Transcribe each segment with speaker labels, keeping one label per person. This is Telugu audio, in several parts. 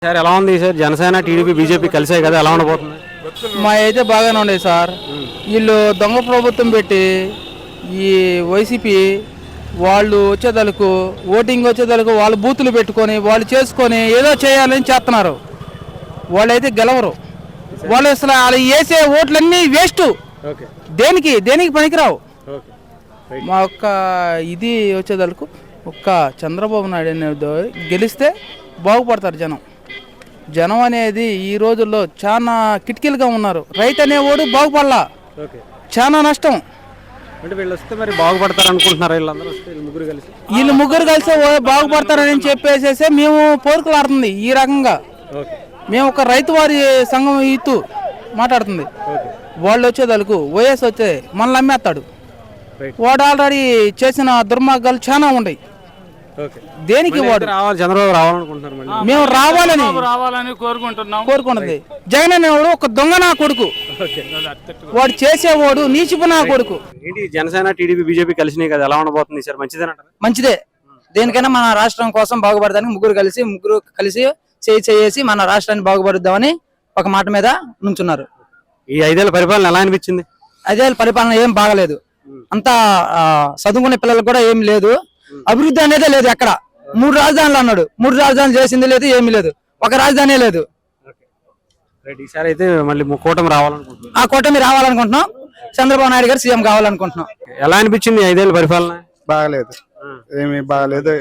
Speaker 1: సార్ ఎలా ఉంది సార్? జనసేన టీడీపీ బీజేపీ కలిసాయి కదా, ఎలా ఉండబోతుంది?
Speaker 2: మా అయితే బాగానే ఉండేది సార్. వీళ్ళు దొంగ ప్రభుత్వం పెట్టి ఈ వైసీపీ వాళ్ళు వచ్చేదలకు ఓటింగ్ వచ్చేదలకు వాళ్ళు బూతులు పెట్టుకొని వాళ్ళు చేసుకొని ఏదో చేయాలని చేస్తున్నారు. వాళ్ళైతే గెలవరు. వాళ్ళు అసలు వాళ్ళు వేసే ఓట్లన్నీ వేస్ట్. దేనికి దేనికి పనికిరావు. మా ఒక్క ఇది వచ్చేదలకు ఒక్క చంద్రబాబు నాయుడు అనేది గెలిస్తే బాగుపడతారు జనం. జనం అనేది ఈ రోజుల్లో చాలా కిటికీలుగా ఉన్నారు. రైతు అనేవాడు బాగుపడలా, చాలా నష్టం.
Speaker 1: అంటే వీళ్ళు వస్తే మరి బాగుపడతారు అనుకుంటున్నారు.
Speaker 2: వీళ్ళు ముగ్గురు కలిసి బాగుపడతారని చెప్పేసేసి మేము పోరుకులాడుతుంది. ఈ రకంగా మేము ఒక రైతు వారి సంఘం ఇత్తు మాట్లాడుతుంది. వాళ్ళు వచ్చేదలకు వైఎస్ వచ్చే మనల్ని అమ్మేస్తాడు. వాడు ఆల్రెడీ చేసిన దుర్మార్గాలు చాలా ఉన్నాయి. దేనికి వాడు
Speaker 1: చంద్రబాబు రావాలనుకుంటున్నారు.
Speaker 2: మేము రావాలని కోరుకుంటుంది. జగన్ అనేవాడు ఒక దొంగ నా కొడుకు. వాడు చేసేవాడు నీచిపు నా కొడుకు.
Speaker 1: ఏంటి జనసేన టీడీపీ బీజేపీ కలిసినాయి కదా, ఎలా ఉండబోతుంది సార్? మంచిదేనంటారా?
Speaker 3: మంచిదే. దేనికైనా మన రాష్ట్రం కోసం బాగుపడడానికి ముగ్గురు కలిసి చేసి మన రాష్ట్రాన్ని బాగుపడుద్దామని ఒక మాట మీద నుంచున్నారు.
Speaker 1: ఈ 5 ఏళ్ల పరిపాలన ఎలా అనిపించింది?
Speaker 3: 5 ఏళ్ల పరిపాలన ఏం బాగలేదు. అంతా చదువుకునే పిల్లలకు కూడా ఏం లేదు. అభివృద్ధి అనేదే లేదు. ఎక్కడ 3 రాజధానులు అన్నాడు. 3 రాజధానులు చేసింది లేదు, ఏమీ లేదు. ఒక రాజధాని లేదు.
Speaker 1: ఈసారి అయితే మళ్ళీ కూటమి రావాలనుకుంటున్నాం.
Speaker 3: ఆ కూటమి రావాలనుకుంటున్నాం. చంద్రబాబు నాయుడు గారు సీఎం కావాలనుకుంటున్నాం.
Speaker 1: ఎలా అనిపించింది 5 ఏళ్ల పరిపాలన?
Speaker 4: బాగలేదు, ఏమి బాగలేదు.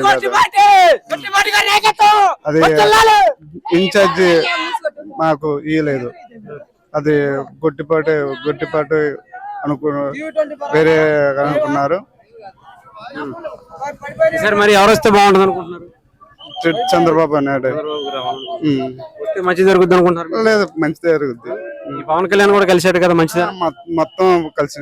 Speaker 4: అది ఇన్ఛార్జి మాకు ఇయ్యలేదు. అది గొట్టిపాటు వేరే అనుకున్నారు.
Speaker 1: సార్ మరి ఎవరు వస్తే బాగుంటుంది అనుకుంటున్నారు?
Speaker 4: చంద్రబాబు నాయుడు
Speaker 1: వస్తే మంచి జరుగుద్ది అనుకుంటున్నారు?
Speaker 4: లేదు, మంచి జరుగుద్ది.
Speaker 1: పవన్ కళ్యాణ్ కూడా కలిసాడు కదా, మంచిదా?
Speaker 4: మొత్తం కలిసి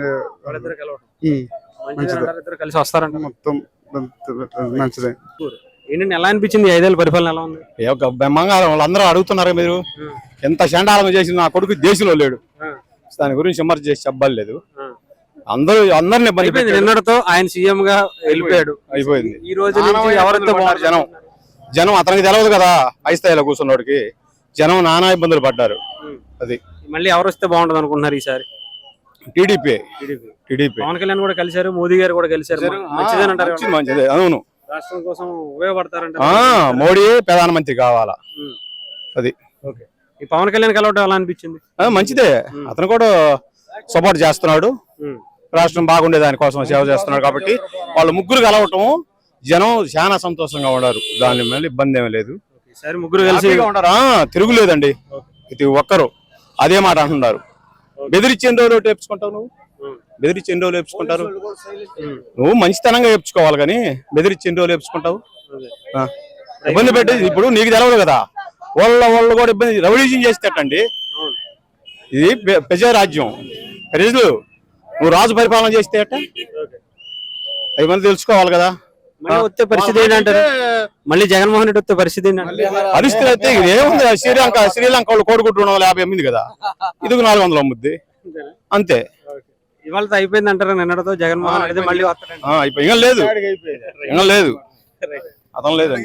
Speaker 1: కలిసి వస్తారంట.
Speaker 4: మొత్తం మంచిదే.
Speaker 1: ఏంటంటే ఎలా అనిపించింది 5 ఏళ్ల పరిపాలన ఎలా ఉంది?
Speaker 5: బంగారం వాళ్ళందరూ అడుగుతున్నారు. మీరు ఎంత చండాలం చేసి నా కొడుకు దేశంలో లేడు, దాని గురించి విమర్శ చేసి చెప్పలేదు. అందరిని
Speaker 1: నిన్నటితో ఆయన సీఎం గా వెళ్ళిపోయాడు,
Speaker 5: అయిపోయింది.
Speaker 1: ఈ రోజు ఎవరితో
Speaker 5: జనం అతనికి తెలియదు కదా. హై స్థాయిలో కూర్చున్నోడికి జనం నానా ఇబ్బందులు పడ్డారు. అది
Speaker 1: మళ్ళీ ఎవరు వస్తే బాగుంటుంది అనుకుంటున్నారు ఈసారి?
Speaker 5: టీడీపీ.
Speaker 1: పవన్ కళ్యాణ్ కూడా కలిశారు, మోదీ గారు కూడా కలిశారు.
Speaker 5: మంచిదే. అవును,
Speaker 1: రాష్ట్రం కోసం ఉపయోగపడతారంట.
Speaker 5: మోడీ ప్రధానమంత్రి కావాలా. అది
Speaker 1: ఈ పవన్ కళ్యాణ్ కలవటం ఎలా అనిపించింది?
Speaker 5: మంచిదే. అతను కూడా సపోర్ట్ చేస్తున్నాడు. రాష్ట్రం బాగుండే దానికోసం సేవ చేస్తున్నాడు. కాబట్టి వాళ్ళు ముగ్గురు కలవటం జనం చాలా సంతోషంగా ఉన్నారు. దాని మీద ఇబ్బంది ఏమీ లేదు.
Speaker 1: ముగ్గురు కలిసి
Speaker 5: ఉంటారా? తిరుగులేదండి. ప్రతి ఒక్కరు అదే మాట అంటున్నారు. బెదిరించి ఎన్ని రోజులు వేపించుకుంటావు? బెదిరించి ఎన్ని రోజులు వేపించుకుంటారు? నువ్వు మంచితనంగా వేపించుకోవాలి కానీ బెదిరించి ఎన్ని రోజులు వేపించుకుంటావు? ఇబ్బంది పెట్టి ఇప్పుడు నీకు తెలవదు కదా. వాళ్ళు కూడా ఇబ్బంది రెవల్యూషన్ చేసేటండి. ఇది ప్రజారాజ్యం. ప్రజలు నువ్వు రాజు పరిపాలన చేస్తే అట్ట అవి మంది తెలుసుకోవాలి కదా.
Speaker 1: వచ్చే పరిస్థితి ఏంటంటారు? మళ్ళీ జగన్మోహన్ రెడ్డి వచ్చే పరిస్థితి
Speaker 5: పరిస్థితి అయితే ఏముంది? శ్రీలంక వాళ్ళు కోడిగుడ్డు 250 అమ్మింది కదా, ఇది 400 అమ్ముద్ది అంతే.
Speaker 1: ఇవాళ అయిపోయింది అంటారు. నిన్నటితో జగన్మోహన్ రెడ్డి మళ్ళీ
Speaker 5: అయిపోయి లేదు, అతను లేదండి.